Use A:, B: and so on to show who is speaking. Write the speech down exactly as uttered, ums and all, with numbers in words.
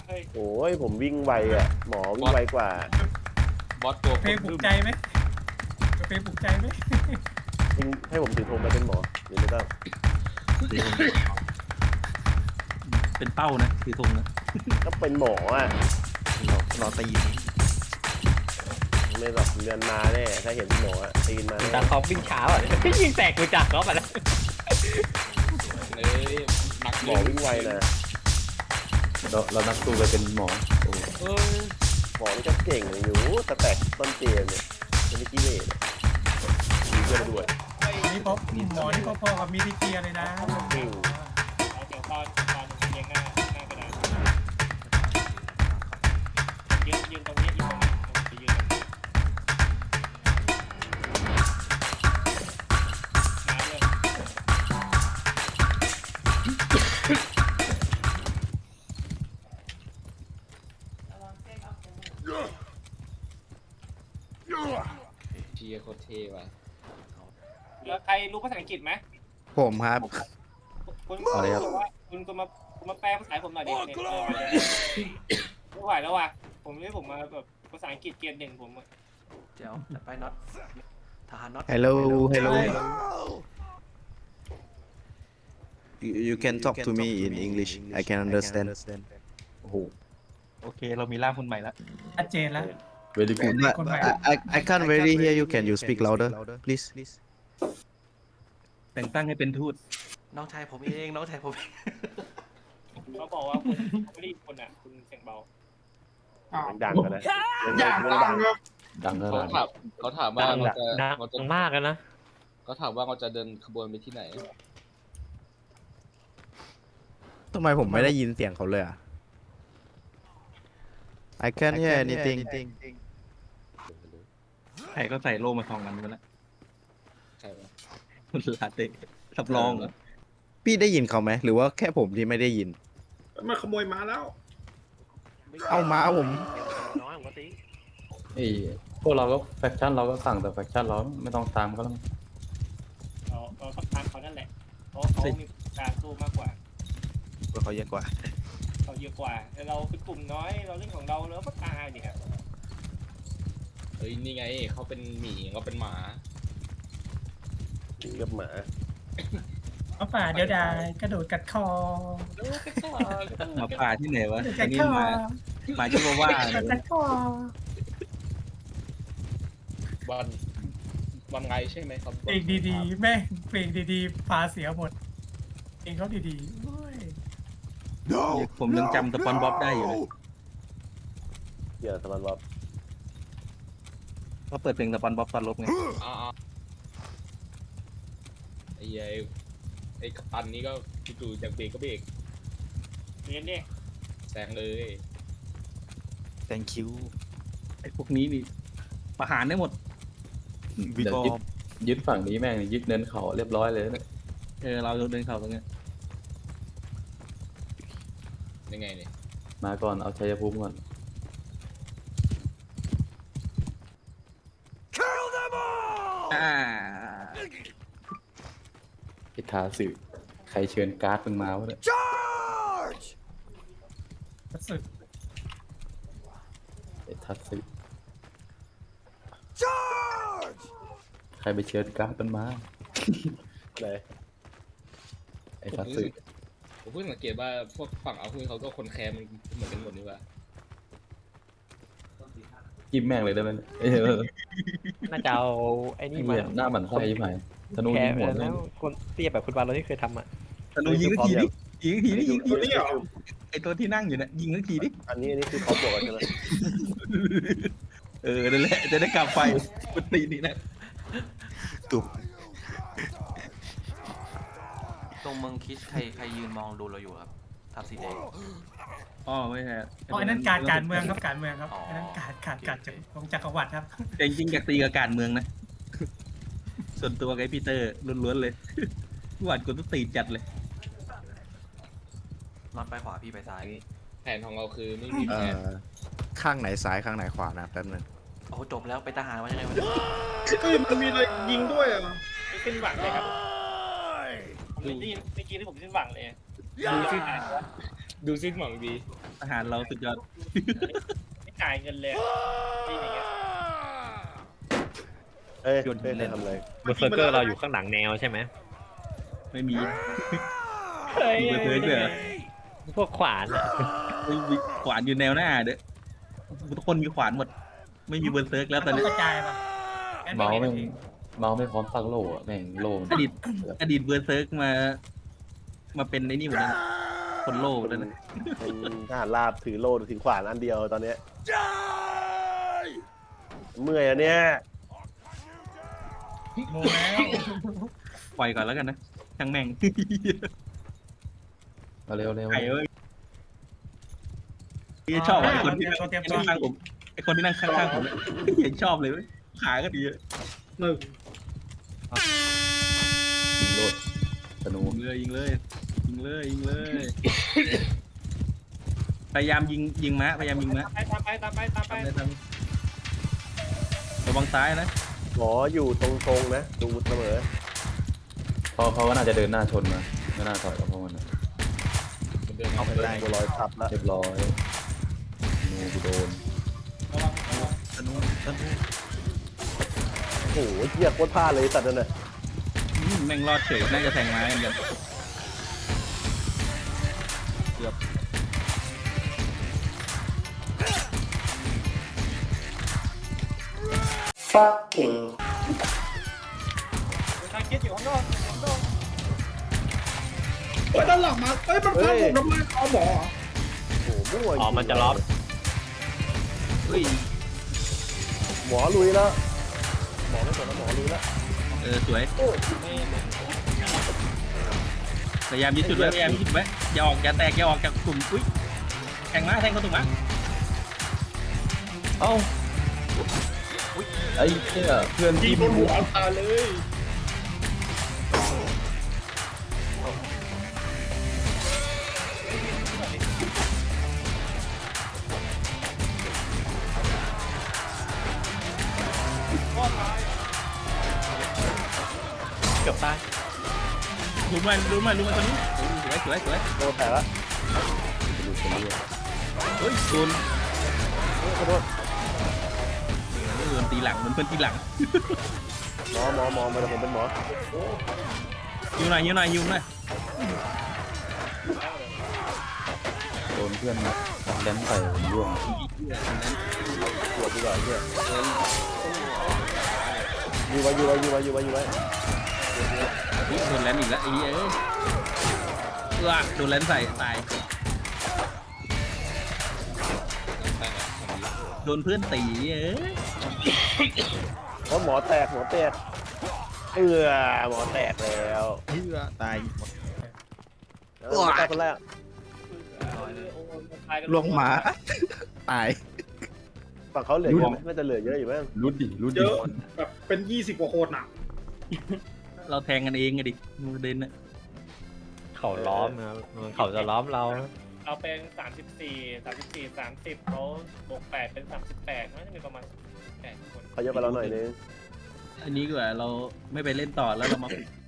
A: เฮ้ย
B: โอ้ยผมวิ่งไวอ่ะหมอวิ่งไวกว่า
A: บอสตัว
C: เพลงปลุกใจไหมเพลงปลุกใจไหม
B: จริงให้ผมถือธงมาเป็นหมอหรือไม่ต้อง
D: เป็นเป้านะคือธงนะ
B: ก็เป็นหมออ่ะ
D: รอรอตี
B: ไม่หรอกเดือนมาแน่ถ้าเห็นหมออ่ะตีนมา
E: ตา
B: แน่
E: คอฟวิ่งช้าอ่ะยิงแตกกูจักเขาไปแล้ว
A: เอ้ยนัก
B: หมอวิ่งไวนะ
F: เราเรานักสู้ไปเป็นหมอโอ้
A: เอ้ย
B: หมอนี่ก็เก่งอยู่แต่แตกต้นเกมเนี่ยจะไม่ขี้เหร่มีเพื่อนด้วย
C: นี่พบหมอนี่พอๆกับมีดีเกียเลยนะ
B: อืม
A: เดี๋ยวตอนตอนเรียงหน้าหน้ากระดานยืนยืนตรงนี้ยืนตรงนี้ไปยืนตรงนี้มาเลย เชียร์โคตรเท่ว่ะแล้วใครรู้ภาษาอังกฤษไหม
G: ผมครับ
A: คุณคุณบอกว่าคุณคุณมาคุณมาแปลภาษาให้ผมหน่อยดิเนี่ยไม่ไหวแล้วว่ะผมนี่ผมมาแบบภาษาอังกฤษเกรดหนึ่งผมอะ
E: เดี๋ยวไปน็อตทหารน็อต
G: Hello Hello you, you can talk to me in English I can understand
F: โอ้โห
D: โอเคเรามีร่ามคนใหม่แล้ว
C: ชัดเจนแล้ว
F: เวลิกูด
G: But I, I, I can't really hear you can you speak louder please
D: แต่งตั้งให้เป็นทูต
E: น้องชายผมเองน้องชายผม
A: เขาบอกว่าคุณไม่ได้ยินคนอ่ะคุณเสียงเบา
B: ดังกันนะ
H: อยากดังครับ
F: ดังข
A: เขา
F: นาด
A: ถามเขาถามว่าเราจะ
E: ดั
A: เราจะ
E: งมากนะ
A: เขาถามว่าเราจะเดินขบวนไปที่ไหน
G: ทำไมผมไม่ได้ยินเสียงเขาเลยอ่ะ I can't hear anything
D: ใครก็ใส่โล่มาสองอันกันแล้ว
A: ใช่ไหม
D: ลาเต้สับรองเหรอ
G: พี่ได้ยินเขาไหมหรือว่าแค่ผมที่ไม่ได้ยิน
H: มาขโมยมาแล้ว
G: เอามาผม
E: น้อยผมก็ตี
F: ไอ้พวกเราก็แฟคชั่นเราก็สั่งแต่แฟคชั่นเราไม่ต้องตามก็แล้ว
A: เราเราต้องตามเขานั่นแหละเพราะเขามีการสู้มากกว่า
G: เขาเยอะกว่า
A: เขาเยอะกว่าแต่เราเป็นกลุ่มน้อยเราเล่นของเราแล้วก็ตายเนี่ยเฮ้ยนี่ไงเขาเป็นหมีเขาเป็นหมา
B: ถึงกับหมา
C: เอาป่าเดี๋ยวดายกระโดดกัดคอ
D: หมาป่าที่ไหนวะ
C: กระโดด
D: อั
C: กัน ด
D: นี้
C: คอ
D: หมาหมาชิวาว่า
C: กระโดดกัดคอ
A: วันวันไงใช่ไหมครับ
C: เพลงดีๆแม่งเพลงดีๆพาเสียหมดเพลงเขาดีๆโอ้ย
D: ผมยังจำสปอนบ๊อบได้อยู่เลย
B: เดี๋ยวสมันบอก
D: เพราะเปิดเพลงสปอนบ๊อบตอนลบไง
A: อ่าไอ้ไอ้ไอ้กัปตันนี่ก็จู่ๆจากเบรกก็เบรกเรียนเนี่ยแซงเลย
G: thank you
D: ไอ้พวกนี้นี่ประหารได้หมด
G: วิ
F: เดี๋ยว
G: กอ
F: ยึดยึดฝั่งนี้แม่งยึดเนินเขาเรียบร้อยเลยเนี่ย
D: เออเราเดินเข้าตรงเนี้ย
A: ยังไงเนี่ย
F: มาก่อนเอาชัยภูมิก่อน
D: อ่า
F: ไอ้ทาสึใครเชิญการ์ดมึงมาวะเนี่ย
C: สุด
F: ไอ้ทัสึใครไปเชิญการ์ดมันมา
B: เลย
F: ไอ้ทัสึ
A: ผมเพิ่งสังเกตว่าพวกฝั่งเอาคุยเขาก็คนแคร์มันเหมือนกันหมดนี่ว่า
F: จิ้มแม่งเลยได้ไหมเนี่ยเออ
E: น่าจะเอาไอ้นี่
F: นี่
E: มา
F: เหมือนหน้าหมันไส้ยิ่งไหมธนู
E: แค
F: ยิง
E: ร์
F: หัว
E: แล้
F: แม่ง
E: วคนเตี้ยแบบคุณบาลเราที่เคยทำอ่ะ
D: ธนูยิงทักทีดิยิงทักทีดิยิง
H: ตัวนี้เหรอ
D: ไอ้ตัวที่นั่งอยู่เนี่ยยิงทักทีดิ
B: อันนี้อันนี้คือเขาบอกกันใช่ไหม
D: เออนั่นแหละจะได้กลับไปปกตินี่นะ
G: ตุบ
I: ตรงเมืองคิชใครใครยืนมองดูเราอยู่ครับทับสีแดง
D: อ๋อไม่ใช่
C: อ๋ออันนั้นการการเมืองครับการเมืองครับอันนั้นการการการจากของจักรวรรดิครับ
D: แต่จริงๆอยากตีกับการเมืองนะ ส่วนตัวกับไอ้พีเตอร์ล้วนๆเลยหวาดกดต้องตีจัดเลย
I: น็อตไปขวาพี่ไปซ้าย
A: แผนของเราคือไม่มี
G: เอ่
A: แผน
G: อข้างไหนซ้ายข้างไหนขวานะแป๊บนึง
I: โอ้จบแล้วไปทหารมายังไงวะ
H: เฮ้ยมันมีอะไรยิงด้วยอ่ะ
A: ไม่สิ้นหวังเลยครับผมไม่ได้ยินเมื่อกี้ที่ผมสิ้นหวังเลยดูสิ้นดูสิ้นหวังดี
D: ทหารเราสุดยอด
A: ไม่จ่ายเงินเลยที่อย่างเงี้ย
B: เอ้ย
D: โยนหิ
B: เอ้ย
D: นเล่น
B: ทำอะไร
E: เบอร์เซอร์เกอร์เราอยู่ข้างหลังแนวใช่ไหม
D: ไม่มีมีเบอร์เซิร์กด้วยเหรอ
E: พวกขวานอะ
D: ไม่มีขวานอยู่แนวหน้าเด้อทุกคนมีขวานหมด ไม่มีเบอร์เซิร์กแล้วตอน
C: ต้
D: นี้
C: องกระจายป่ะงั้น
F: เมาส์
C: ไม่
F: ไม่
C: ได้
F: เมาส์ไม่พร้อมตั้งโล่อะแม่งโล่มัน
D: อดีตอดีตเบอร์เซิร์กมา มาเป็นไอ้นี่หมดแล้วนะคนโล่หมดแล้วนะ
B: เป็นทหารราบถือโล่ถือขวานอันเดียวตอนเนี้ยเมื่อยอะเนี่ย
C: โมแล้ว
D: ปล่อยก่อนแล้วกันนะช่างแม่ง
F: เอาเร็วเร็ว
D: ไอ้เว้ยชอบไอ้คนที่นั่ง
C: เตรียม
D: ไอ้
C: ตัว
D: ข้างผมไอ้คนที่นั่งข้างๆผมเนี่ยเห็นชอบเลยเว้ยขาก็ดีอะ
H: หนึ่ง
F: ยิงโลดธนู
D: ยิงเลยยิงเลยยิงเลยยิงเลยพยายามยิงยิงม้าพยายามยิงม้า
A: ไปตามไปตามไปตามไป
D: ทำเลยทำระวังซ้ายนะ
B: หมออยู่ตรงๆนะดูเสมอ
F: เขาเขาก็น่าจะเดินหน้าชนมาไม่น่าถอยกับพวกมันนะ
B: เอาไปได้บัวลอยทับแล้ว
F: เรียบร้อยธนูกูโดน
A: ระวังระวัง
D: ธนูธนู
B: โอ้โหเหี้ยโคตรพลาดเลยสัตว์นั่นน่ะ
D: อืมแม่งรอดเฉยน่าจะแทงไม้เหมือนกันเกือบ
A: ทางคิดอยู่ข้างนอกข้างนอก
H: เฮ้ยด้านหลังมาเฮ้ยมันฟังผมทำไมเอาหมอเหรอ
B: โอ้โหมั่ว
E: อ๋อมันจะล็อก
D: เฮ้ย
B: หมอลุยแล้วหมอไม่สนแล้วหมอลุยแล้ว
D: เออสวยพยายามยึดจุดไว้พยายามยึดจุดไว้อย่าออกอย่าแตกอย่าออกจากกลุ่มอุ้ยแทงม้าแทงเขาถูกม้า
F: เอ้าไอ้เหี้ยเพื่อน
H: ยิ
F: ที่
H: งโดนหัวเอาตายเลย
E: เกือบตาย
D: รู้มารู้มารู้มาตอนนี้สวยสวยสวย
B: โดนแผลแล้ว
F: ดูคนเรียก
D: เฮ้ยโดน
B: ขอโทษ
D: โดนตีหลังเหมือนเพื่อนตีหลัง
B: หมอหมอหมอมาแต่ผมเป็นหมอ
D: ยิงหน่อยยิงหน่อยยิงหน่อย
F: โดนเพื่อนแดนใส่ผมร่วง
B: ปวดดีกว่าเหี้ยอยู่ไว้อยู่ไว้อยู่ไว้อยู่ไว้อยู่ไว้
D: อุ๊ยโดนแลนด์อีกแล้วไอ้เหี้ยเอ้ยเออโดนแลนด์ใส่ตายโดนเพื่อนตีเอ้ย
B: เพราะหมอแตกหมอแตกเออหมอแตกแล้ว
G: เฮือตาย
B: เออตายคนแรก
G: ลงหมาตาย
B: ฝั่งเขาเหลือเยอะไหมน่าจะเหลือเยอะอยู่มั้ง
F: รุดดิรุด
H: เย
F: ดิ
H: อะแบบเป็นยี่สิบกว่าคนอ่ะ
D: เราแทงกันเองไงดิประเด็นน่ะ
E: เขาล้อมนะมันเขาจะล้อมเรานะ
A: เราเป็นสามสิบสี่สามสิบสี่สามสิบเขาบวกแปดเป็นสามสิบแปดน่าจะมีประมาณแปดคน
B: เขาเยอะกว่าเราหน่อยนึง
D: อันนี้ดีกว่าเราไม่ไปเล่นต่อแล้วเรามา